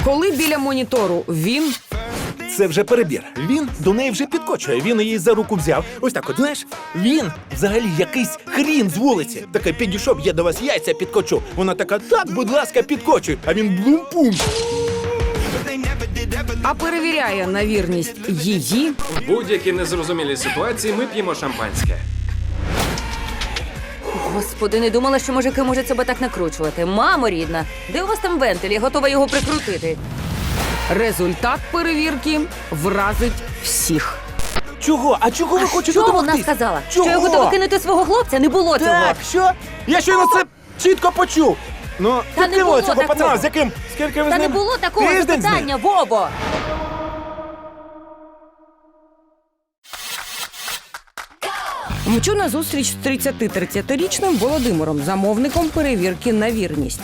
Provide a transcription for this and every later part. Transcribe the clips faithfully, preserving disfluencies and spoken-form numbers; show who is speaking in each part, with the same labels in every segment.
Speaker 1: Коли біля монітору він...
Speaker 2: Це вже перебір. Він до неї вже підкочує. Він її за руку взяв. Ось так от, знаєш, він взагалі якийсь хрін з вулиці. Таке підійшов, я до вас яйця підкочу. Вона така, так, будь ласка, підкочуй. А він блум-пум.
Speaker 1: А перевіряє на вірність її...
Speaker 3: В будь-якій незрозумілій ситуації ми п'ємо шампанське.
Speaker 4: Господи, не думала, що мужики можуть себе так накручувати. Мамо рідна, де у вас там вентиль? Я готова його прикрутити.
Speaker 1: Результат перевірки вразить всіх.
Speaker 2: Чого? А чого ви хочете
Speaker 4: Що
Speaker 2: домогтись?
Speaker 4: вона сказала?
Speaker 2: Чого?
Speaker 4: Що я готова кинути свого хлопця? Не було цього.
Speaker 2: Так, що? Я щойно це чітко почув. Ну,
Speaker 4: Та не було
Speaker 2: цього
Speaker 4: такого.
Speaker 2: пацана, з яким, скільки ви
Speaker 4: Та
Speaker 2: з
Speaker 4: не
Speaker 2: ним?
Speaker 4: було такого
Speaker 2: Тиждень з ним?
Speaker 4: запитання, Вово!
Speaker 1: Мчу на зустріч з тридцяти-тридцятирічним Володимиром, замовником перевірки на вірність.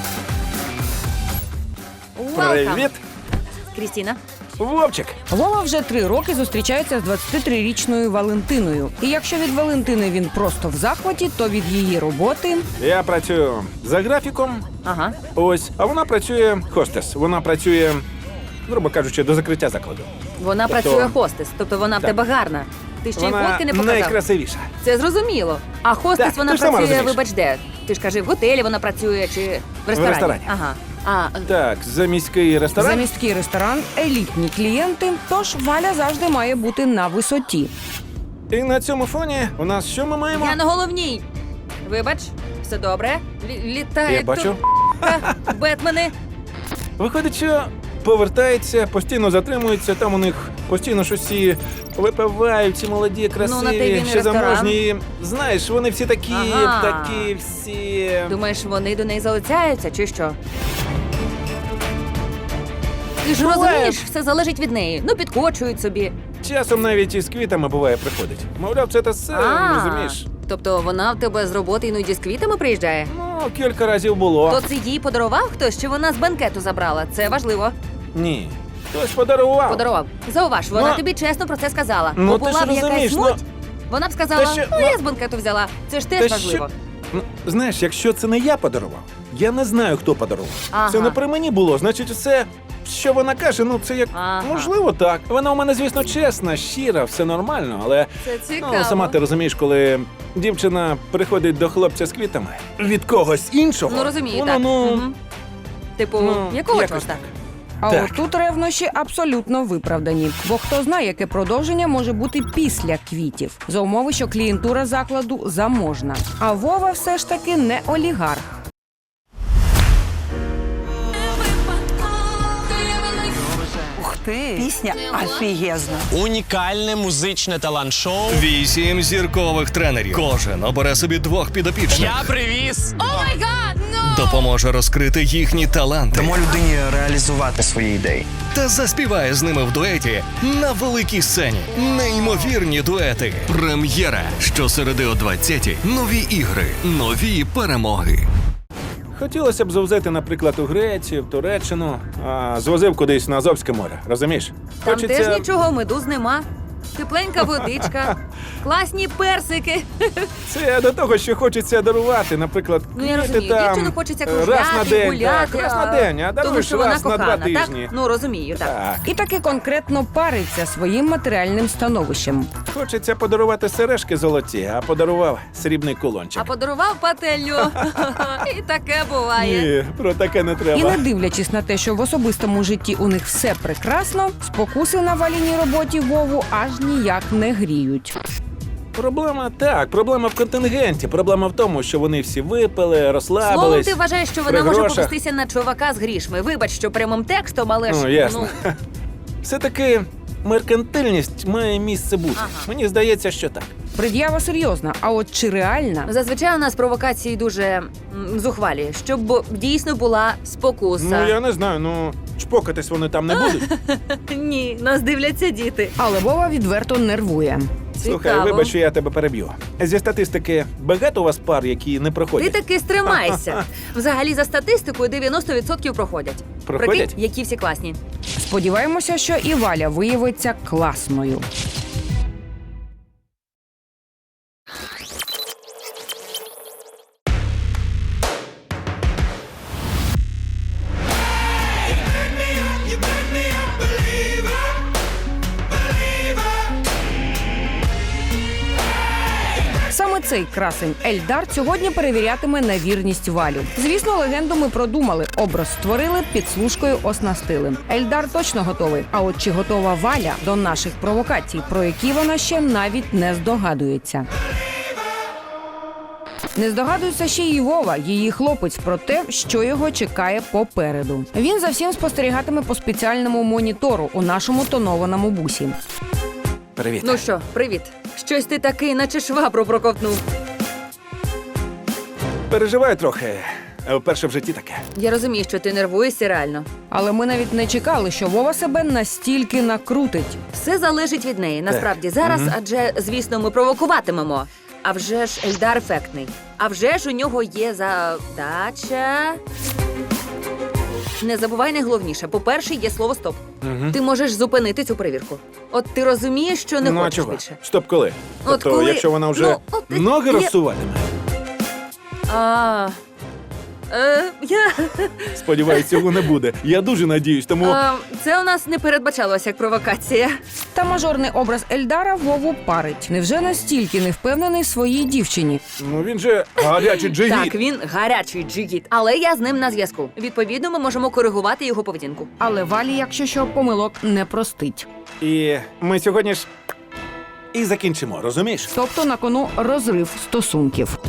Speaker 4: Welcome.
Speaker 2: Привіт,
Speaker 4: Крістіна.
Speaker 2: Вовчик.
Speaker 1: Вова вже три роки зустрічається з двадцятитрирічною Валентиною. І якщо від Валентини він просто в захваті, то від її роботи...
Speaker 2: Я працюю за графіком.
Speaker 4: Ага.
Speaker 2: Ось, а вона працює хостес. Вона працює, грубо кажучи, до закриття закладу.
Speaker 4: Вона
Speaker 2: Тобто-
Speaker 4: працює хостес, тобто вона в
Speaker 2: Так.
Speaker 4: тебе гарна. Ти ще й
Speaker 2: Вона
Speaker 4: фотки не показав.
Speaker 2: найкрасивіша.
Speaker 4: Це зрозуміло. А хостес
Speaker 2: Так,
Speaker 4: вона
Speaker 2: ти ж сама
Speaker 4: працює,
Speaker 2: розумієш.
Speaker 4: вибач, де? Ти ж кажи, в готелі вона працює чи в ресторані?
Speaker 2: ресторані.
Speaker 4: Ага. А,
Speaker 2: Так, за міський ресторан.
Speaker 1: За міський ресторан елітні клієнти, тож Валя завжди має бути на висоті.
Speaker 2: І на цьому фоні у нас що ми маємо?
Speaker 4: я на головній. Вибач, все добре. Лі- Літають
Speaker 2: Я бачу.
Speaker 4: тут Бетмени.
Speaker 2: Виходить, що повертається, постійно затримується, там у них постійно щось всі випивають, ці молоді, красиві,
Speaker 4: Ну, на те він і
Speaker 2: ще
Speaker 4: ресторан.
Speaker 2: заможні. Знаєш, вони всі такі,
Speaker 4: Ага.
Speaker 2: такі всі.
Speaker 4: Думаєш, вони до неї залицяються, чи що? Ти ж
Speaker 2: Буває.
Speaker 4: розумієш, все залежить від неї. Ну, підкочують собі.
Speaker 2: Часом навіть із квітами буває приходить. Мовляв, це те все,
Speaker 4: А,
Speaker 2: розумієш?
Speaker 4: Тобто вона в тебе з роботи іноді з квітами приїжджає?
Speaker 2: Ну, кілька разів було.
Speaker 4: То це їй подарував хтось, чи вона з банкету забрала? Це важливо.
Speaker 2: Ні. Хтось подарував.
Speaker 4: Подарував. Зауваж, вона
Speaker 2: Ну,
Speaker 4: тобі чесно про це сказала.
Speaker 2: ну,
Speaker 4: Бо
Speaker 2: ти
Speaker 4: була
Speaker 2: ж
Speaker 4: б якась
Speaker 2: розумієш, ну,
Speaker 4: муть, вона б сказала,
Speaker 2: та що-
Speaker 4: ну,
Speaker 2: ну,
Speaker 4: я з банкету взяла. Це ж теж
Speaker 2: Та
Speaker 4: важливо.
Speaker 2: що- Ну, знаєш, якщо це не я подарував, я не знаю, хто подарував.
Speaker 4: Ага.
Speaker 2: Це не при мені було, значить, все, що вона каже, ну це як
Speaker 4: Ага.
Speaker 2: можливо так. Вона у мене, звісно, чесна, щира, все нормально, але
Speaker 4: Це цікаво.
Speaker 2: ну, сама ти розумієш, коли дівчина приходить до хлопця з квітами від когось іншого.
Speaker 4: Ну, розумію,
Speaker 2: воно,
Speaker 4: так.
Speaker 2: ну,
Speaker 4: Мгм. Типу,
Speaker 2: ну,
Speaker 4: якого
Speaker 2: якось
Speaker 4: чорта?
Speaker 2: так.
Speaker 1: А
Speaker 2: Так.
Speaker 1: от тут ревнощі абсолютно виправдані. Бо хто знає, яке продовження може бути після квітів. За умови, що клієнтура закладу заможна. А Вова все ж таки не олігарх.
Speaker 5: Ух ти! Пісня офігезна.
Speaker 6: Унікальне музичне талант-шоу.
Speaker 7: Вісім зіркових тренерів. Кожен обере собі двох підопічних.
Speaker 6: Я привіз.
Speaker 7: Допоможе розкрити їхні таланти
Speaker 8: Дамо людині реалізувати свої ідеї.
Speaker 7: та заспіває з ними в дуеті на великій сцені. Неймовірні дуети. Прем'єра. Щосереди о двадцятій. Нові ігри, нові перемоги.
Speaker 2: Хотілося б завзяти, наприклад, у Грецію, в Туреччину, а звозив кудись на Азовське море, розумієш?
Speaker 4: Там теж нічого, медуз нема. Тепленька водичка, класні персики.
Speaker 2: Це до того, що хочеться дарувати, наприклад,
Speaker 4: Ну, я
Speaker 2: квіти
Speaker 4: розумію,
Speaker 2: там,
Speaker 4: дівчину хочеться
Speaker 2: е, раз на
Speaker 4: кружляти,
Speaker 2: день,
Speaker 4: гуляти.
Speaker 2: так, раз на день, а
Speaker 4: тому
Speaker 2: даруєш
Speaker 4: що вона
Speaker 2: раз на
Speaker 4: кохана,
Speaker 2: два тижні.
Speaker 4: так? Ну, розумію, так.
Speaker 2: Так.
Speaker 1: І таки конкретно париться своїм матеріальним становищем.
Speaker 2: Хочеться подарувати сережки золоті, а подарував срібний кулончик.
Speaker 4: А подарував пательню. І таке буває.
Speaker 2: Ні, про таке не
Speaker 1: І
Speaker 2: треба.
Speaker 1: не дивлячись на те, що в особистому житті у них все прекрасно, спокуси на Валіній роботі Вову аж ніяк не гріють.
Speaker 2: Проблема так, проблема в контингенті. Проблема в тому, що вони всі випили, розслабились.
Speaker 4: Словом, ти вважаєш, що вона
Speaker 2: при
Speaker 4: може
Speaker 2: грошах.
Speaker 4: повестися на чувака з грішми. Вибач, що прямим текстом, але ж,
Speaker 2: Ну, ясно. Все-таки меркантильність має місце бути.
Speaker 4: Ага.
Speaker 2: Мені здається, що так.
Speaker 1: Пред'ява серйозна, а от чи реальна?
Speaker 4: зазвичай у нас провокації дуже м, зухвалі, щоб дійсно була спокуса.
Speaker 2: Ну, я не знаю, ну, чпокатись вони там не будуть.
Speaker 4: Ні, нас дивляться діти.
Speaker 1: Але Вова відверто нервує.
Speaker 2: Слухай,
Speaker 4: Цікаво.
Speaker 2: вибач, що я тебе переб'ю. Зі статистики, багато у вас пар, які не
Speaker 4: Ти
Speaker 2: проходять?
Speaker 4: таки стримайся. Взагалі, за статистикою, дев'яносто відсотків проходять.
Speaker 2: Проходять?
Speaker 4: Прикинь, які всі класні.
Speaker 1: Сподіваємося, що і Валя виявиться класною. цей красень Ельдар сьогодні перевірятиме на вірність Валю. Звісно, легенду ми продумали, образ створили, підслужкою оснастили. Ельдар точно готовий. А от чи готова Валя до наших провокацій, про які вона ще навіть не здогадується. Не здогадується ще й Вова, її хлопець, про те, що його чекає попереду. Він за всім спостерігатиме по спеціальному монітору у нашому тонованому бусі.
Speaker 2: Привіт.
Speaker 4: Ну що, привіт. Щось ти такий, наче швабру проковтнув.
Speaker 2: Переживаю трохи. а Вперше в житті таке.
Speaker 4: Я розумію, що ти нервуєшся реально.
Speaker 1: Але ми навіть не чекали, що Вова себе настільки накрутить.
Speaker 4: Все залежить від неї. Насправді зараз, адже, звісно, ми провокуватимемо. А вже ж Ельдар ефектний. А вже ж у нього є задача. Не забувай найголовніше. По-перше, є слово «стоп». Ти можеш зупинити цю перевірку. От ти розумієш, що не
Speaker 2: ну а
Speaker 4: хочеш
Speaker 2: чого?
Speaker 4: більше.
Speaker 2: Стоп, коли?
Speaker 4: От
Speaker 2: тобто,
Speaker 4: коли-
Speaker 2: якщо вона вже
Speaker 4: ну, от
Speaker 2: ноги
Speaker 4: я-
Speaker 2: розсуватиме.
Speaker 4: А, е, я,
Speaker 2: Сподіваюсь, цього не буде. Я дуже надіюсь, тому.
Speaker 4: е, це у нас не передбачалося як провокація.
Speaker 1: Та мажорний образ Ельдара Вову парить. Невже настільки не впевнений в своїй дівчині?
Speaker 2: Ну він же гарячий джигіт.
Speaker 4: Так, він гарячий джигіт, але я з ним на зв'язку. Відповідно, ми можемо коригувати його поведінку.
Speaker 1: Але Валі, якщо що, помилок не простить.
Speaker 2: І ми сьогодні ж і закінчимо, розумієш?
Speaker 1: Тобто на кону розрив стосунків.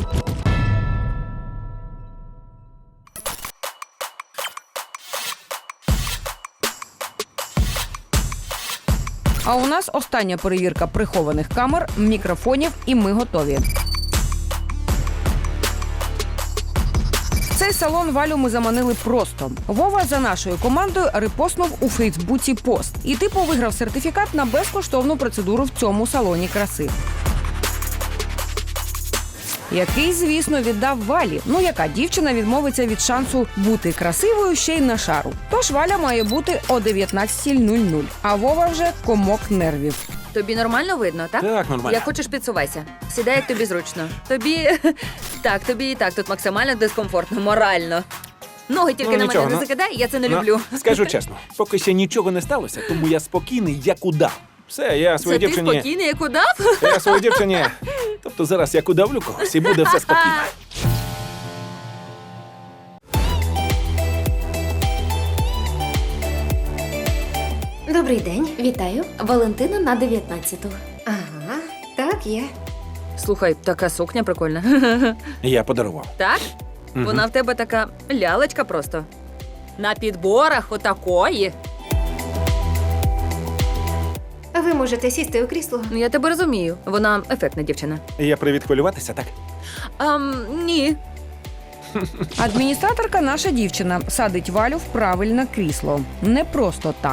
Speaker 1: А у нас остання перевірка прихованих камер, мікрофонів, і ми готові. В цей салон Валю ми заманили просто. Вова за нашою командою репостнув у Фейсбуці пост. І типу виграв сертифікат на безкоштовну процедуру в цьому салоні краси. Який, звісно, віддав Валі. Ну, яка дівчина відмовиться від шансу бути красивою ще й на шару. Тож Валя має бути о дев'ятнадцята нуль нуль, а Вова вже комок нервів.
Speaker 4: Тобі нормально видно, так?
Speaker 2: Так, нормально.
Speaker 4: Як хочеш, підсувайся. Сідай, як тобі зручно. Тобі так, тобі і так тут максимально дискомфортно, морально. Ноги тільки
Speaker 2: Ну,
Speaker 4: на
Speaker 2: нічого,
Speaker 4: мене не
Speaker 2: ну.
Speaker 4: закидай, я це не
Speaker 2: Ну,
Speaker 4: люблю.
Speaker 2: скажу чесно, поки ще нічого не сталося, тому я спокійний, як удав. Все, я
Speaker 4: Це
Speaker 2: своїй
Speaker 4: ти
Speaker 2: дівчині.
Speaker 4: спокійний, як удав?
Speaker 2: Я своїй дівчині. Тобто зараз як удавлю когось і буде все спокійно.
Speaker 9: Добрий день, вітаю. Валентина на дев'ятнадцяту.
Speaker 10: Ага, так є.
Speaker 4: Слухай, така сукня прикольна.
Speaker 2: Я подарував.
Speaker 4: Так? Вона в тебе така лялечка просто. На підборах отакої.
Speaker 10: Ви можете сісти у крісло.
Speaker 4: Ну, я тебе розумію. Вона ефектна дівчина.
Speaker 2: Я привід хвилюватися, так?
Speaker 4: Ам, ні.
Speaker 1: Адміністраторка наша дівчина садить Валю в правильне крісло. Не просто так.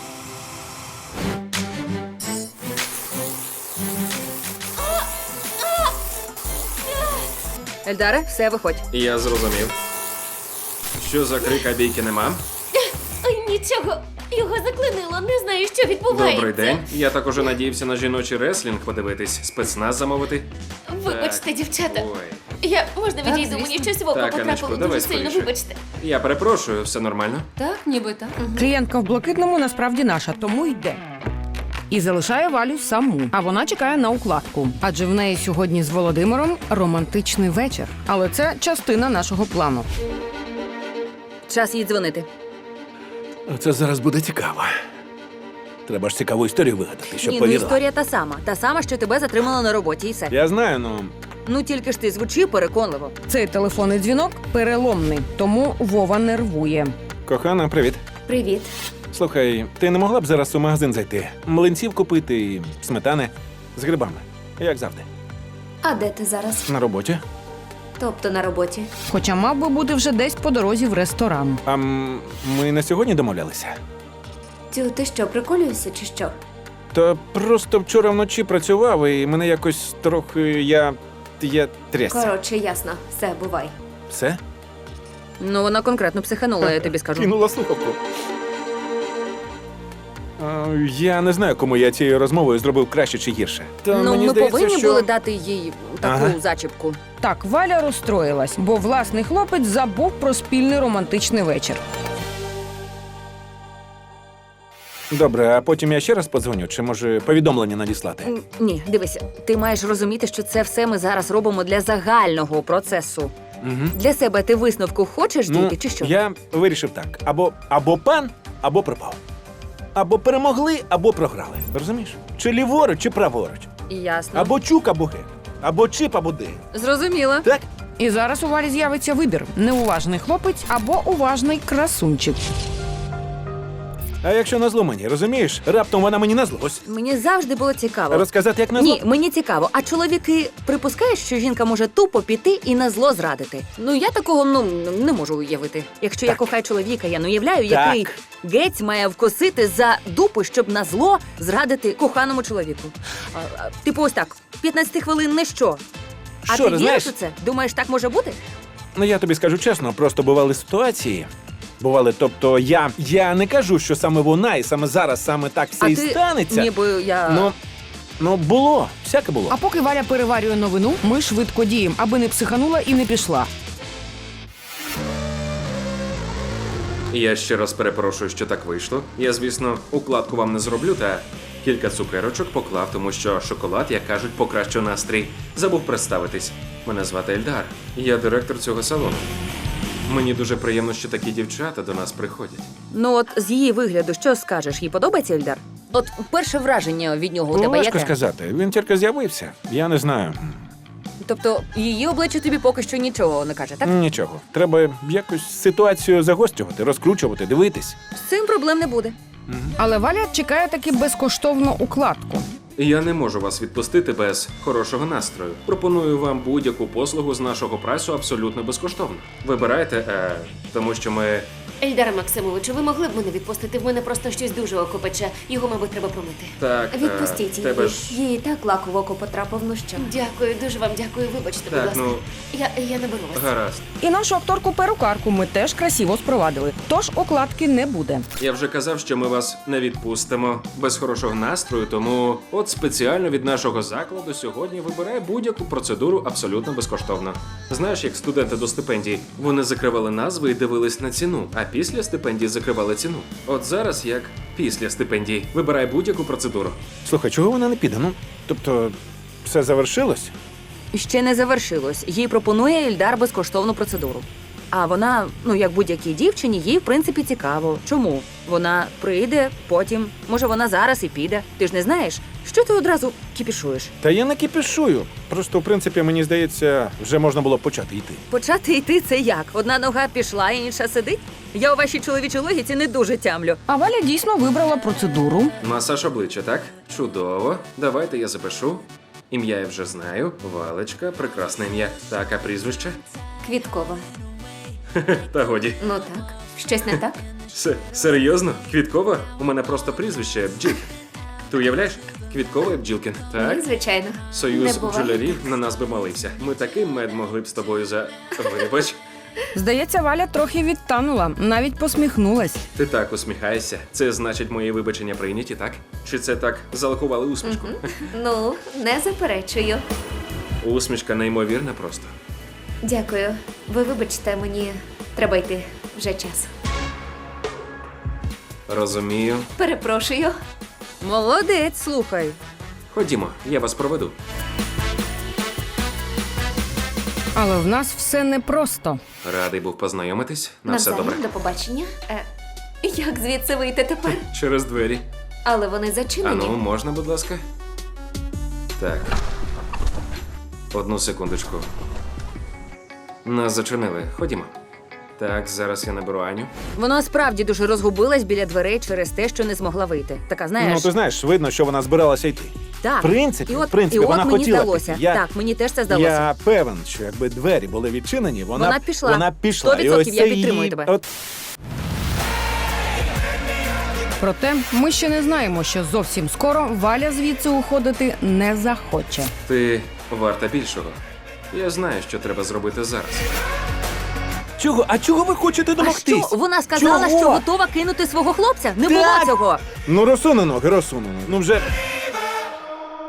Speaker 4: Ельдаре, все, виходь.
Speaker 3: Я зрозумів. Що за крик, а бійки нема?
Speaker 9: Ой, нічого, його заклинило, не знаю, що відбувається.
Speaker 3: Добрий день. Я так уже надіявся на жіночий реслінг подивитись, спецназ замовити.
Speaker 9: Вибачте,
Speaker 3: Так.
Speaker 9: дівчата.
Speaker 3: Ой.
Speaker 9: Я можна відійду,
Speaker 4: звісно.
Speaker 9: мені щось в око
Speaker 3: Так,
Speaker 9: потрапило
Speaker 3: Анечко,
Speaker 9: дуже
Speaker 3: давай
Speaker 9: сильно,
Speaker 3: скоріше.
Speaker 9: вибачте.
Speaker 3: Я перепрошую, все нормально?
Speaker 9: Так, ніби так.
Speaker 1: Клієнтка в блакитному насправді наша, тому йде. І залишає Валю саму, а вона чекає на укладку. Адже в неї сьогодні з Володимиром романтичний вечір. Але це частина нашого плану.
Speaker 4: Час їй дзвонити.
Speaker 2: Це зараз буде цікаво. Треба ж цікаву історію вигадати, щоб
Speaker 4: Ні, ну
Speaker 2: повірила.
Speaker 4: історія та сама. Та сама, що тебе затримала на роботі, і все.
Speaker 2: Я знаю, ну.
Speaker 4: Ну тільки ж ти звучи переконливо.
Speaker 1: Цей телефонний дзвінок переломний, тому Вова нервує.
Speaker 2: Кохана, привіт.
Speaker 10: Привіт.
Speaker 2: Слухай, ти не могла б зараз у магазин зайти? Млинців купити і сметани з грибами. Як завжди.
Speaker 10: А де ти зараз?
Speaker 2: На роботі.
Speaker 10: Тобто на роботі.
Speaker 1: Хоча мав би бути вже десь по дорозі в ресторан.
Speaker 2: А м, ми на сьогодні домовлялися.
Speaker 10: Тю, ти що, приколюєшся чи що?
Speaker 2: Та просто вчора вночі працював і мене якось трохи я. я трясся.
Speaker 10: Коротше, ясно. Все, бувай.
Speaker 2: Все?
Speaker 4: Ну вона конкретно психанула, я тобі скажу.
Speaker 2: Кинула слухавку. А, я не знаю, кому я цією розмовою зробив краще чи гірше. Та
Speaker 4: Ну
Speaker 2: мені
Speaker 4: ми
Speaker 2: здається,
Speaker 4: повинні
Speaker 2: що...
Speaker 4: були дати їй таку
Speaker 2: Ага.
Speaker 4: зачіпку.
Speaker 1: Так, Валя розстроїлась, бо власний хлопець забув про спільний романтичний вечір.
Speaker 2: Добре, а потім я ще раз подзвоню, чи може повідомлення надіслати?
Speaker 4: М, Ні, дивися, ти маєш розуміти, що це все ми зараз робимо для загального процесу.
Speaker 2: Угу.
Speaker 4: Для себе ти висновку хочеш
Speaker 2: Ну,
Speaker 4: дійти, чи що?
Speaker 2: я вирішив так: або, або пан, або пропав. Або перемогли, або програли. Розумієш? Чи ліворуч, чи праворуч.
Speaker 4: Ясно.
Speaker 2: Або чук, або гек. Або чип, або ди.
Speaker 4: Зрозуміла.
Speaker 2: Так?
Speaker 1: І зараз у Валі з'явиться вибір: неуважний хлопець або уважний красунчик.
Speaker 2: А якщо назло мені, розумієш? Раптом вона мені назлось.
Speaker 4: Мені завжди було цікаво.
Speaker 2: Розказати, як назло?
Speaker 4: Ні, мені цікаво. А чоловіки припускають, що жінка може тупо піти і на зло зрадити? Ну я такого ну не можу уявити. Якщо я
Speaker 2: Так.
Speaker 4: кохаю чоловіка, я не уявляю,
Speaker 2: Так.
Speaker 4: який гець має вкусити за дупу, щоб на зло зрадити коханому чоловіку. А, а, типу, ось так, п'ятнадцять хвилин не що. А
Speaker 2: Що,
Speaker 4: ти
Speaker 2: ти
Speaker 4: віриш
Speaker 2: знаєш?
Speaker 4: у це? Думаєш, так може бути?
Speaker 2: Ну я тобі скажу чесно, просто бували ситуації. Бували, тобто я, я не кажу, що саме вона і саме зараз, саме так все
Speaker 4: а
Speaker 2: і
Speaker 4: ти
Speaker 2: станеться.
Speaker 4: ніби я.
Speaker 2: Ну, ну було, всяке було.
Speaker 1: А поки Валя переварює новину, ми швидко діємо, аби не психанула і не пішла.
Speaker 3: Я ще раз перепрошую, що так вийшло. Я, звісно, укладку вам не зроблю, та кілька цукерочок поклав, тому що шоколад, як кажуть, покращив настрій. Забув представитись. Мене звати Ельдар. Я директор цього салону. Мені дуже приємно, що такі дівчата до нас приходять.
Speaker 4: Ну от з її вигляду, що скажеш? Їй подобається Ельдар? От перше враження від нього у
Speaker 2: Ну,
Speaker 4: тебе
Speaker 2: важко
Speaker 4: яке?
Speaker 2: сказати. Він тільки з'явився. Я не знаю.
Speaker 4: Тобто її обличчя тобі поки що нічого не каже, так?
Speaker 2: Нічого. Треба якось ситуацію загострювати, розкручувати, дивитись.
Speaker 4: З цим проблем не буде.
Speaker 1: Але Валя чекає таки безкоштовну укладку.
Speaker 3: Я не можу вас відпустити без хорошого настрою. Пропоную вам будь-яку послугу з нашого прайсу абсолютно безкоштовно. Вибирайте, е, тому що ми.
Speaker 9: Ельдаре Максимовичу, ви могли б мене відпустити? В мене просто щось дуже око пече. Його, мабуть, треба промити.
Speaker 3: Так, е,
Speaker 10: Відпустіть її.
Speaker 3: тебе ж.
Speaker 10: Їй і так лак у око потрапив, ну що?
Speaker 9: Дякую, дуже вам дякую. Вибачте, будь
Speaker 3: Так,
Speaker 9: ласка.
Speaker 3: ну,
Speaker 9: Я, я не беру вас.
Speaker 3: гаразд.
Speaker 1: І нашу акторку-перукарку ми теж красиво спровадили. Тож укладки не буде.
Speaker 3: Я вже казав, що ми вас не відпустимо без хорошого настрою, тому от спеціально від нашого закладу сьогодні вибирай будь-яку процедуру абсолютно безкоштовно. Знаєш, як студенти до стипендії, вони закривали назви і дивились на ціну, а після стипендії закривали ціну. От зараз як після стипендії. Вибирай будь-яку процедуру.
Speaker 2: Слухай, чого вона не піде? Ну, тобто, все завершилось?
Speaker 4: Ще не завершилось. Їй пропонує Ельдар безкоштовну процедуру. А вона, ну як будь-якій дівчині, їй в принципі цікаво. Чому? Вона прийде, потім, може вона зараз і піде. Ти ж не знаєш, що ти одразу кіпішуєш?
Speaker 2: Та я не кипішую. Просто, в принципі, мені здається, вже можна було б почати йти.
Speaker 4: Почати йти це як? Одна нога пішла, інша сидить? Я у вашій чоловічій логіці не дуже тямлю.
Speaker 1: А Валя дійсно вибрала процедуру.
Speaker 3: Масаж обличчя, так? Чудово. Давайте я запишу. Ім'я я вже знаю. Валечка, прекрасне ім'я. Так, а прізвище?
Speaker 10: Квіткова.
Speaker 3: Та годі.
Speaker 10: Ну так. Щось не так?
Speaker 3: С- серйозно? Квіткова? У мене просто прізвище Бджілкін. Ти уявляєш? Квіткова і Бджілкін. Так?
Speaker 10: Ні, звичайно.
Speaker 3: Союз
Speaker 10: Не буває.
Speaker 3: бджолярів на нас би молився. Ми такий мед могли б з тобою за. Вибач.
Speaker 1: Здається, Валя трохи відтанула, навіть посміхнулась.
Speaker 3: Ти так усміхаєшся. Це значить, мої вибачення прийняті, так? Чи це так залакували усмішку?
Speaker 10: Ну, не заперечую.
Speaker 3: Усмішка неймовірна просто.
Speaker 10: Дякую. Ви вибачте, мені треба йти. Вже час.
Speaker 3: Розумію.
Speaker 10: Перепрошую.
Speaker 4: Молодець, слухай.
Speaker 3: Ходімо, я вас проведу.
Speaker 1: Але в нас все непросто.
Speaker 3: Радий був познайомитись. На все
Speaker 10: Навзаєм,
Speaker 3: добре.
Speaker 10: до побачення. Е, як звідси вийти тепер?
Speaker 3: Через двері.
Speaker 10: Але вони зачинені.
Speaker 3: Ану, можна, будь ласка? Так. Одну секундочку. Нас зачинили. Ходімо. Так, зараз я наберу Аню.
Speaker 4: Вона справді дуже розгубилась біля дверей через те, що не змогла вийти. Така, знаєш,
Speaker 2: Ну, ти знаєш, видно, що вона збиралася йти.
Speaker 4: так.
Speaker 2: в принципі,
Speaker 4: і от,
Speaker 2: в принципі,
Speaker 4: і от
Speaker 2: вона
Speaker 4: мені
Speaker 2: хотіла
Speaker 4: здалося.
Speaker 2: піти. Я-
Speaker 4: Так, мені теж це здалося.
Speaker 2: Я певен, що якби двері були відчинені, вона,
Speaker 4: Вона пішла.
Speaker 2: Вона пішла.
Speaker 4: Сто
Speaker 2: І
Speaker 4: відсотків
Speaker 2: ось
Speaker 4: я
Speaker 2: це
Speaker 4: підтримую
Speaker 2: її-
Speaker 4: тебе.
Speaker 2: От
Speaker 1: Проте ми ще не знаємо, що зовсім скоро Валя звідси уходити не захоче.
Speaker 3: Ти варта більшого. Я знаю, що треба зробити зараз.
Speaker 2: чого? А чого ви хочете
Speaker 4: А
Speaker 2: домогтись?
Speaker 4: що? Вона сказала,
Speaker 2: Чого?
Speaker 4: що готова кинути свого хлопця? Не
Speaker 2: Так.
Speaker 4: було цього.
Speaker 2: Ну розсуну ноги, розсуну. Ну вже.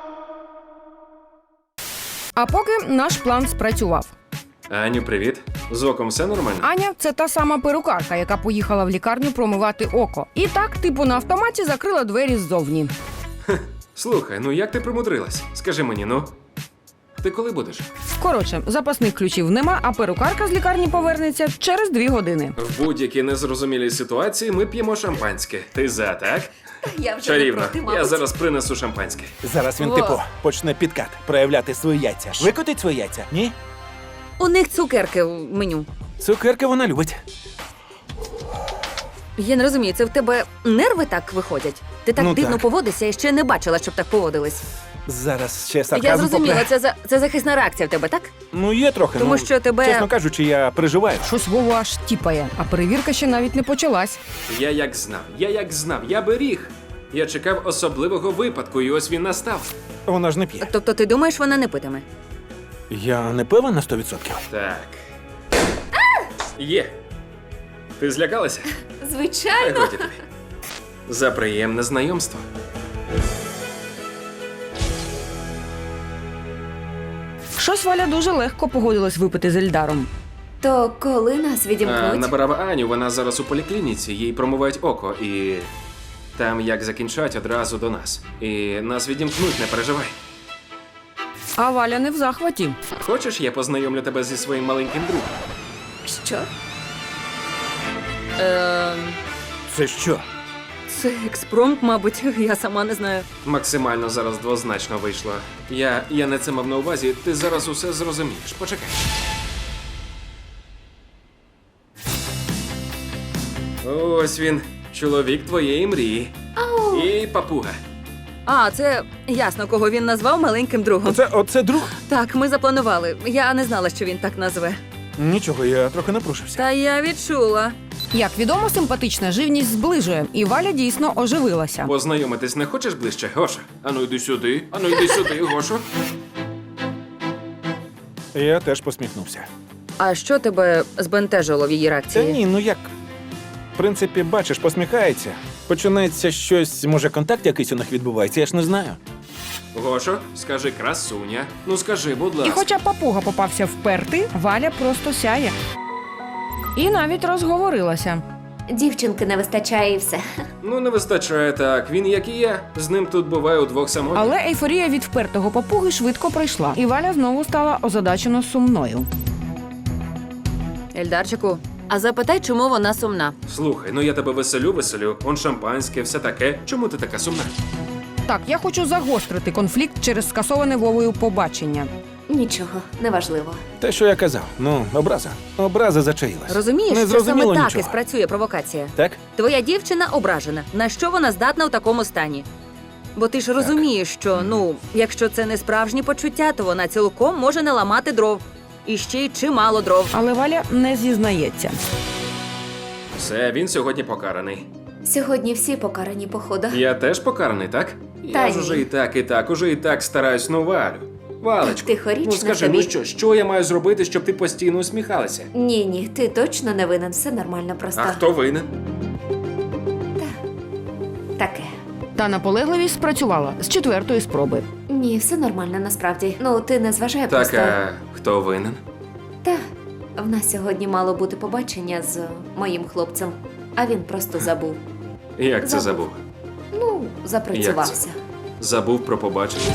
Speaker 1: А поки наш план спрацював.
Speaker 3: Аню, привіт. З оком все нормально?
Speaker 1: Аня це та сама перукарка, яка поїхала в лікарню промивати око. І так, типу, на автоматі закрила двері ззовні.
Speaker 3: Слухай, ну як ти примудрилась? Скажи мені, ну. Ти коли будеш?
Speaker 1: Коротше, запасних ключів нема, а перукарка з лікарні повернеться через дві години.
Speaker 3: В будь-якій незрозумілій ситуації ми п'ємо шампанське. Ти за, так?
Speaker 9: Я вже
Speaker 3: Чарівно.
Speaker 9: не проти,
Speaker 3: Я
Speaker 9: мабуть.
Speaker 3: зараз принесу шампанське.
Speaker 2: Зараз він,
Speaker 4: Во.
Speaker 2: типу, почне підкат, проявляти свої яйця. Викотить свої яйця? Ні?
Speaker 4: У них цукерки в меню.
Speaker 2: Цукерки вона любить.
Speaker 4: Я не розумію, це в тебе нерви так виходять? Ти так
Speaker 2: Ну,
Speaker 4: дивно
Speaker 2: так.
Speaker 4: поводишся і ще не бачила, щоб так поводились.
Speaker 2: Зараз ще сарказм
Speaker 4: Я зрозуміла,
Speaker 2: попре.
Speaker 4: це, за, це захисна реакція в тебе, так?
Speaker 2: Ну, є трохи.
Speaker 4: Тому
Speaker 2: ну,
Speaker 4: що тебе-
Speaker 2: Чесно кажучи, я переживаю.
Speaker 1: Щось Вову аж тіпає, а перевірка ще навіть не почалась.
Speaker 3: Я як знав, я як знав, я беріг. Я чекав особливого випадку, і ось він настав.
Speaker 2: Вона ж не п'є.
Speaker 4: Тобто ти думаєш, вона не питиме?
Speaker 2: Я не певен на сто відсотків.
Speaker 3: Так. Є. Ти злякалася? Та
Speaker 9: Звичайно.
Speaker 3: годі тобі. За приємне знайомство.
Speaker 1: Щось Валя дуже легко погодилась випити з Ельдаром.
Speaker 9: То коли нас
Speaker 3: А,
Speaker 9: відімкнуть?
Speaker 3: набирав Аню, вона зараз у поліклініці, їй промивають око, і там як закінчать одразу до нас. І нас відімкнуть, не переживай.
Speaker 1: А Валя не в захваті.
Speaker 3: Хочеш, я познайомлю тебе зі своїм маленьким другом?
Speaker 9: Що?
Speaker 4: Е,
Speaker 2: Це що?
Speaker 4: це експромт, мабуть, я сама не знаю.
Speaker 3: Максимально зараз двозначно вийшло. Я, я не це мав на увазі, ти зараз усе зрозумієш. Почекай. Ось він, чоловік твоєї мрії. І папуга.
Speaker 4: А, це ясно, кого він назвав маленьким другом.
Speaker 2: Оце, оце друг?
Speaker 4: Так, ми запланували. Я не знала, що він так назве.
Speaker 2: Нічого, я трохи напружився.
Speaker 4: Та я відчула.
Speaker 1: Як відомо, симпатична живність зближує, і Валя дійсно оживилася.
Speaker 3: Познайомитись не хочеш ближче, Гоша? Ану йди сюди, ану йди сюди, Гошо.
Speaker 2: Я теж посміхнувся.
Speaker 4: А що тебе збентежило в її
Speaker 2: Та
Speaker 4: реакції?
Speaker 2: ні, ну як? В принципі, бачиш, посміхається. Починається щось, може, контакт якийсь у них відбувається, я ж не знаю.
Speaker 3: Гошо, скажи красуня. Ну скажи, будь
Speaker 1: І
Speaker 3: ласка.
Speaker 1: хоча папуга попався вперти, Валя просто сяє. І навіть розговорилася.
Speaker 9: Дівчинки не вистачає і все.
Speaker 3: Ну не вистачає так. Він як і я. З ним тут буває удвох самотніх.
Speaker 1: Але ейфорія від впертого папуги швидко пройшла, і Валя знову стала озадачено сумною.
Speaker 4: Ельдарчику, а запитай, чому вона сумна.
Speaker 3: Слухай, ну я тебе веселю, веселю. Он шампанське, все таке. Чому ти така сумна?
Speaker 1: Так, я хочу загострити конфлікт через скасоване Вовою побачення.
Speaker 9: Нічого, неважливо.
Speaker 2: Те, що я казав, ну, образа. Образа зачаїлась.
Speaker 4: Розумієш,
Speaker 2: Не
Speaker 4: що саме
Speaker 2: зрозуміло
Speaker 4: так
Speaker 2: нічого.
Speaker 4: і спрацює провокація.
Speaker 2: Так?
Speaker 4: Твоя дівчина ображена. На що вона здатна у такому стані? Бо ти ж розумієш, що, ну, якщо це не справжні почуття, то вона цілком може наламати дров. І ще й чимало дров.
Speaker 1: Але Валя не зізнається.
Speaker 3: Все, він сьогодні покараний.
Speaker 9: Сьогодні всі покарані, походу.
Speaker 3: Я теж покараний, так?
Speaker 9: Та
Speaker 3: Я ж
Speaker 9: ні.
Speaker 3: уже і так, і так, уже і так стараюсь, ну Валю. Валечко,
Speaker 9: Тихорічно
Speaker 3: ну скажи,
Speaker 9: тобі.
Speaker 3: ну що, що я маю зробити, щоб ти постійно усміхалася?
Speaker 9: Ні, ні, ти точно не винен, все нормально просто.
Speaker 3: А хто винен?
Speaker 9: Таке.
Speaker 1: Та наполегливість спрацювала з четвертої спроби.
Speaker 9: Ні, все нормально насправді. Ну, ти не зважай
Speaker 3: Так,
Speaker 9: просто.
Speaker 3: а хто винен?
Speaker 9: Та, в нас сьогодні мало бути побачення з моїм хлопцем, а він просто забув.
Speaker 3: Як це
Speaker 9: Забув.
Speaker 3: забув?
Speaker 9: Ну, запрацювався.
Speaker 3: Забув про побачення.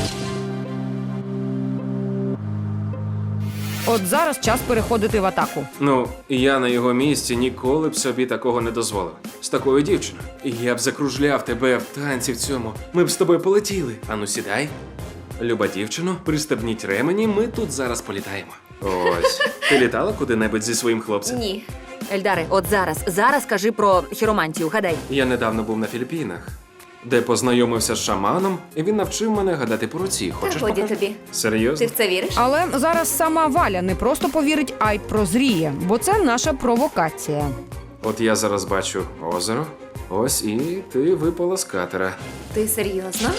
Speaker 1: От зараз час переходити в атаку.
Speaker 3: Ну, я на його місці ніколи б собі такого не дозволив. З такою дівчиною. Я б закружляв тебе в танці в цьому. Ми б з тобою полетіли. Ану, сідай. Люба дівчино, пристебніть ремені, ми тут зараз політаємо. Ось. Ти літала куди-небудь зі своїм хлопцем?
Speaker 9: Ні.
Speaker 4: Ельдаре, от зараз, зараз кажи про хіромантію, гадай.
Speaker 3: Я недавно був на Філіппінах, де познайомився з шаманом, і він навчив мене гадати по руці. Хочеш
Speaker 9: Та годі
Speaker 3: покажу?
Speaker 9: тобі.
Speaker 3: Серйозно?
Speaker 9: Ти в це віриш?
Speaker 1: Але зараз сама Валя не просто повірить, а й прозріє, бо це наша провокація.
Speaker 3: От я зараз бачу озеро, ось і ти випала з катера.
Speaker 9: Ти серйозно?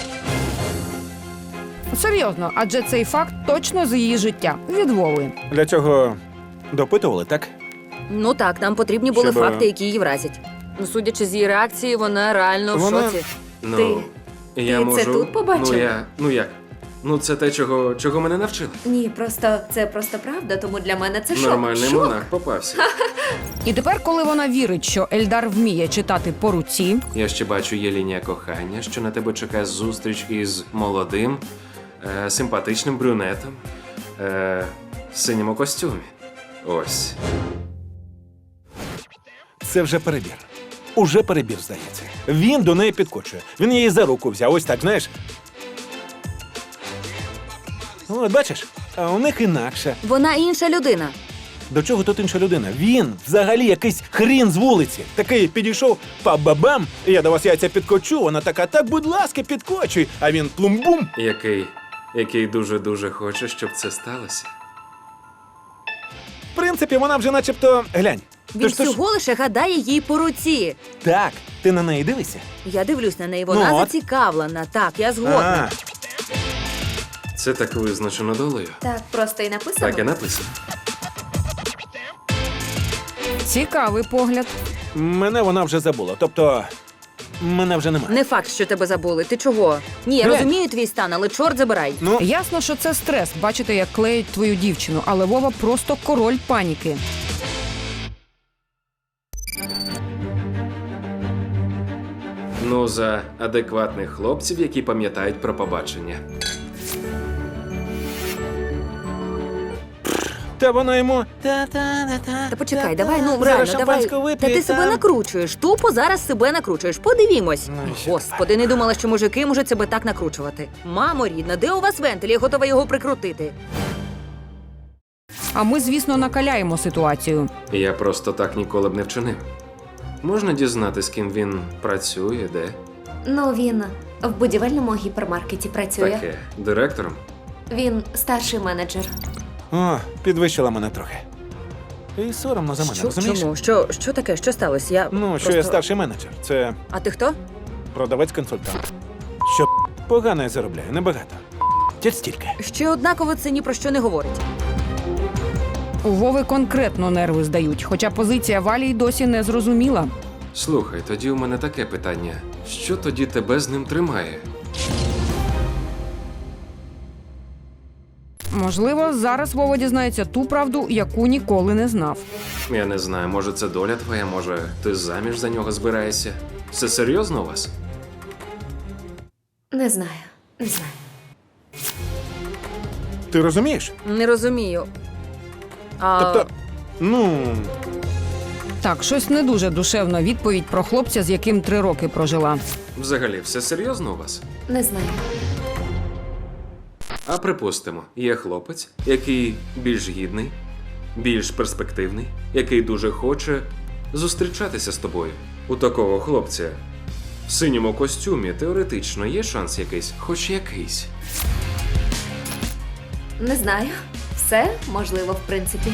Speaker 1: Серйозно, адже цей факт точно з її життя від Вови.
Speaker 2: Для цього допитували, так?
Speaker 4: Ну так, нам потрібні були
Speaker 2: Щоб, е,
Speaker 4: факти, які її вразять. Ну, судячи з її реакції, вона реально в
Speaker 2: Вона-
Speaker 4: шоці.
Speaker 3: Ну,
Speaker 9: Ти-
Speaker 3: я
Speaker 9: ти
Speaker 3: можу...
Speaker 9: це тут побачив?
Speaker 3: Ну, я... ну як? Ну, це те, чого, чого мене навчили.
Speaker 10: Ні, просто це просто правда, тому для мене це шок.
Speaker 3: Нормальний
Speaker 10: шок.
Speaker 3: монах попався.
Speaker 1: І тепер, коли вона вірить, що Ельдар вміє читати по руці,
Speaker 3: Я ще бачу, є лінія кохання, що на тебе чекає зустріч із молодим, е, симпатичним брюнетом е, в синьому костюмі. Ось.
Speaker 2: Це вже перебір. Уже перебір, здається. Він до неї підкочує. Він її за руку взяв. Ось так, знаєш. От бачиш, а у них інакше.
Speaker 4: Вона інша людина.
Speaker 2: До чого тут інша людина? Він взагалі якийсь хрін з вулиці. Такий підійшов, па-ба-бам, я до вас яйця підкочу. Вона така, так, будь ласка, підкочуй. А він плум-бум.
Speaker 3: Який, який дуже-дуже хоче, щоб це сталося.
Speaker 2: В принципі, вона вже начебто. Глянь.
Speaker 4: Він
Speaker 2: Тож- тож-
Speaker 4: всього лише гадає їй по руці.
Speaker 2: Так, ти на неї дивишся?
Speaker 4: Я дивлюсь на неї, вона
Speaker 2: Ну от.
Speaker 4: зацікавлена. Так, я згодна.
Speaker 2: А,
Speaker 3: Це так визначено долею.
Speaker 10: Так просто і написано.
Speaker 3: Так і написано.
Speaker 1: цікавий погляд.
Speaker 2: мене вона вже забула. Тобто, мене вже немає.
Speaker 4: Не факт, що тебе забули. Ти чого? Ні, я
Speaker 2: Глянь.
Speaker 4: розумію твій стан, але чорт забирай.
Speaker 2: Ну,
Speaker 1: Ясно, що це стрес, бачити, як клеють твою дівчину, але Вова просто король паніки.
Speaker 3: Ну, за адекватних хлопців, які пам'ятають про побачення.
Speaker 2: та вона йому.
Speaker 4: Та почекай, давай, ну
Speaker 2: Зараз
Speaker 4: реально, давай.
Speaker 2: шампанського
Speaker 4: Та
Speaker 2: вип'є,
Speaker 4: ти себе
Speaker 2: там.
Speaker 4: накручуєш. Тупо зараз себе накручуєш. Подивімось.
Speaker 2: Ну, і що
Speaker 4: Господи, не думала, що мужики можуть себе так накручувати. Мамо рідна, де у вас вентиль? Я готова його прикрутити.
Speaker 1: А ми, звісно, накаляємо ситуацію.
Speaker 3: Я просто так ніколи б не вчинив. Можна дізнати, з ким він працює, де?
Speaker 10: Ну, він в будівельному гіпермаркеті працює.
Speaker 3: Таке. Директором?
Speaker 10: Він старший менеджер.
Speaker 2: О, підвищила мене трохи. І соромно за мене,
Speaker 4: Що,
Speaker 2: розумієш?
Speaker 4: чому? Що, що таке? Що сталося? Я
Speaker 2: Ну,
Speaker 4: просто...
Speaker 2: що я старший менеджер. Це
Speaker 4: А ти хто?
Speaker 2: продавець-консультант. Що погано я заробляю, небагато. Тільки стільки.
Speaker 4: Ще однаково це ні про що не говорить.
Speaker 1: У Вови конкретно нерви здають, хоча позиція Валі й досі не зрозуміла.
Speaker 3: Слухай, тоді у мене таке питання. Що тоді тебе з ним тримає?
Speaker 1: Можливо, зараз Вова дізнається ту правду, яку ніколи не знав.
Speaker 3: Я не знаю, може це доля твоя, може ти заміж за нього збираєшся? Все серйозно у вас?
Speaker 10: Не знаю, не знаю.
Speaker 2: Ти розумієш?
Speaker 4: Не розумію. А...
Speaker 2: Тобто, ну,
Speaker 1: Так, щось не дуже душевна відповідь про хлопця, з яким три роки прожила.
Speaker 3: Взагалі, все серйозно у вас?
Speaker 10: Не знаю.
Speaker 3: А припустимо, є хлопець, який більш гідний, більш перспективний, який дуже хоче зустрічатися з тобою. У такого хлопця в синьому костюмі теоретично є шанс якийсь, хоч якийсь.
Speaker 10: Не знаю. Все можливо, в принципі.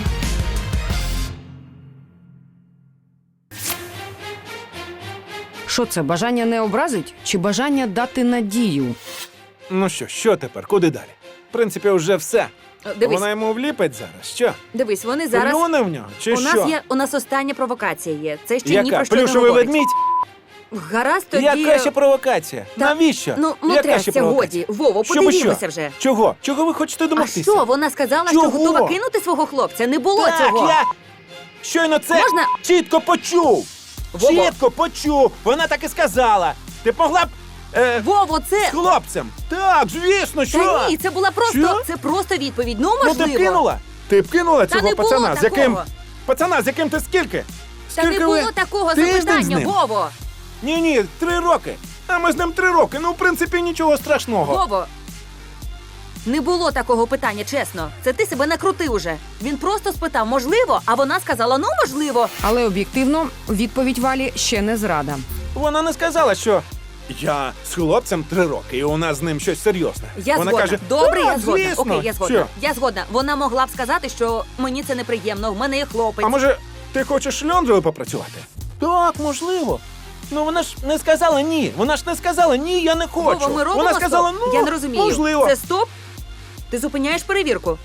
Speaker 1: Що це, бажання не образить чи бажання дати надію?
Speaker 2: ну що, що тепер? Куди далі? В принципі, вже все.
Speaker 4: Дивись,
Speaker 2: Вона йому вліпить зараз. Що?
Speaker 4: дивись, вони зараз...
Speaker 2: Плюне в нього? Чи
Speaker 4: у
Speaker 2: що?
Speaker 4: нас є, у нас остання провокація є. Це ще ні
Speaker 2: Яка?
Speaker 4: про що не
Speaker 2: Плюшовий
Speaker 4: говорить.
Speaker 2: ведмідь?
Speaker 4: Гаразд, тоді...
Speaker 2: Яка ще провокація?
Speaker 4: Та-
Speaker 2: Навіщо?
Speaker 4: Ну, ну
Speaker 2: Яка
Speaker 4: трясся,
Speaker 2: ще провокація?
Speaker 4: годі. Вово,
Speaker 2: Щоб
Speaker 4: подивімося
Speaker 2: що?
Speaker 4: вже.
Speaker 2: Чого? Чого ви хочете
Speaker 4: А
Speaker 2: домогтися?
Speaker 4: що, вона сказала,
Speaker 2: Чого?
Speaker 4: що готова кинути свого хлопця? Не було
Speaker 2: так,
Speaker 4: цього.
Speaker 2: я щойно це
Speaker 4: Можна?
Speaker 2: чітко почув.
Speaker 4: Вово.
Speaker 2: Чітко почув. Вона так і сказала. Ти б могла б е,
Speaker 4: Вово,
Speaker 2: з
Speaker 4: це...
Speaker 2: хлопцем. Так, звісно, що?
Speaker 4: Та ні, це була просто...
Speaker 2: Що?
Speaker 4: Це просто відповідь. Ну,
Speaker 2: Ну
Speaker 4: можливо.
Speaker 2: ти б кинула? Ти б кинула
Speaker 4: Та
Speaker 2: цього
Speaker 4: не було
Speaker 2: пацана, з яким.
Speaker 4: такого.
Speaker 2: Пацана, з яким ти скільки?
Speaker 4: Та не
Speaker 2: Скільки
Speaker 4: було
Speaker 2: ви?
Speaker 4: такого
Speaker 2: Тиждень з
Speaker 4: запитання,
Speaker 2: ним?
Speaker 4: Вово.
Speaker 2: Ні, ні, три роки. А ми з ним три роки. Ну, в принципі, нічого страшного.
Speaker 4: Вово. Не було такого питання, чесно. Це ти себе накрутив уже. Він просто спитав, можливо, а вона сказала, ну, можливо.
Speaker 1: Але об'єктивно, відповідь Валі ще не зрада.
Speaker 2: Вона не сказала, що я з хлопцем три роки, і у нас з ним щось серйозне.
Speaker 4: Я
Speaker 2: Вона
Speaker 4: згодна.
Speaker 2: каже,
Speaker 4: Добре,
Speaker 2: «Так,
Speaker 4: я згодна.
Speaker 2: звісно».
Speaker 4: Окей, я згодна.
Speaker 2: Що?
Speaker 4: Я згодна. Вона могла б сказати, що мені це неприємно, в мене є хлопець.
Speaker 2: А може, ти хочеш шльондрою попрацювати? Так, можливо. Ну вона ж не сказала ні. Вона ж не сказала ні, я не хочу.
Speaker 4: Вова, ми робимо
Speaker 2: вона сказала,
Speaker 4: стоп?
Speaker 2: ну
Speaker 4: Я не розумію.
Speaker 2: можливо.
Speaker 4: Це стоп? Ти зупиняєш перевірку?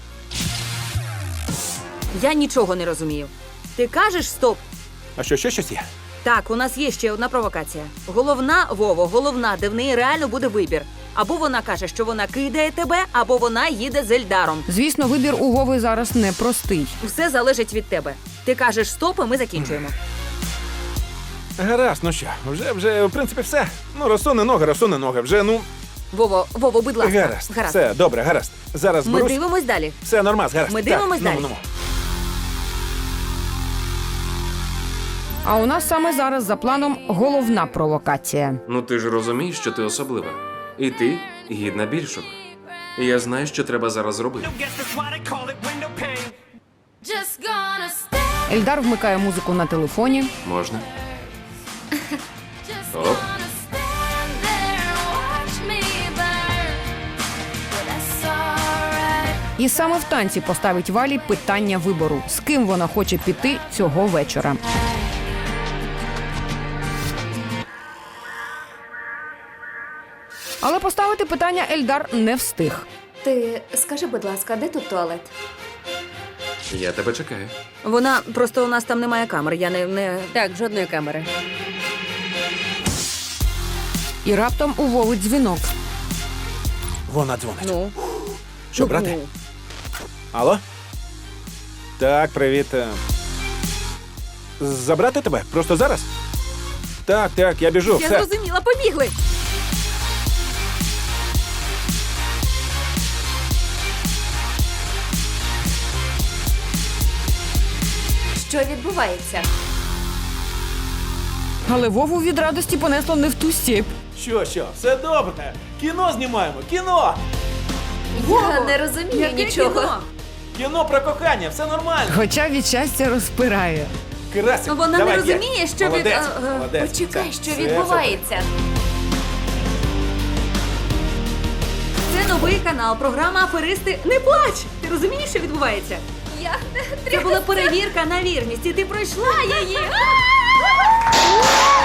Speaker 4: Я нічого не розумію. Ти кажеш стоп?
Speaker 2: А що, ще щось є?
Speaker 4: Так, у нас є ще одна провокація. Головна, Вово, головна, де в неї реально буде вибір. Або вона каже, що вона кидає тебе, або вона їде з Ельдаром.
Speaker 1: Звісно, вибір у Вови зараз непростий.
Speaker 4: Все залежить від тебе. Ти кажеш стоп, і ми закінчуємо.
Speaker 2: Гаразд, ну що, вже, вже, в принципі, все. Ну, розсуне ноги, розсуне ноги. Вже, ну,
Speaker 4: Вово, Вово, будь ласка.
Speaker 2: гаразд.
Speaker 4: Гаразд.
Speaker 2: Все, добре, гаразд. Зараз
Speaker 4: Ми
Speaker 2: берусь.
Speaker 4: дивимось далі.
Speaker 2: Все, нормас, гаразд.
Speaker 4: Ми
Speaker 2: Так,
Speaker 4: дивимось
Speaker 2: ну,
Speaker 4: далі.
Speaker 2: ну, ну.
Speaker 1: А у нас саме зараз за планом головна провокація.
Speaker 3: Ну ти ж розумієш, що ти особлива. І ти гідна більшого. І я знаю, що треба зараз зробити.
Speaker 1: Ельдар вмикає музику на телефоні.
Speaker 3: Можна? Оп.
Speaker 1: І саме в танці поставить Валі питання вибору, з ким вона хоче піти цього вечора. Але поставити питання Ельдар не встиг.
Speaker 10: Ти скажи, будь ласка, де тут туалет?
Speaker 3: Я тебе чекаю.
Speaker 4: Вона просто у нас там немає камер. Я не, не...
Speaker 11: Так, жодної камери.
Speaker 1: І раптом у Вови дзвінок.
Speaker 2: Вона дзвонить.
Speaker 4: Ну.
Speaker 2: Що, брати? Алло? Так, привіт. е. Забрати тебе? Просто зараз? Так, так, я біжу.
Speaker 4: Я
Speaker 2: все.
Speaker 4: зрозуміла, побігли.
Speaker 10: Що відбувається?
Speaker 1: Але Вову від радості понесло не в ту стіп.
Speaker 2: Що, що, все добре. Кіно знімаємо, кіно!
Speaker 10: Я не розумію
Speaker 4: Яке
Speaker 10: нічого.
Speaker 4: кіно?
Speaker 2: Кіно про кохання, все нормально.
Speaker 1: Хоча від щастя розпирає.
Speaker 2: Красик,
Speaker 4: Вона
Speaker 2: давай,
Speaker 4: не
Speaker 2: є.
Speaker 4: розуміє, що від...
Speaker 2: Молодець,
Speaker 4: а, а,
Speaker 2: молодець.
Speaker 10: Почекай,
Speaker 2: Це-
Speaker 10: що
Speaker 2: це
Speaker 10: відбувається.
Speaker 4: Це новий канал, програма «Аферисти». Не плач! Ти розумієш, що відбувається?
Speaker 10: Я не
Speaker 4: Це була перевірка на вірність, і ти пройшла її.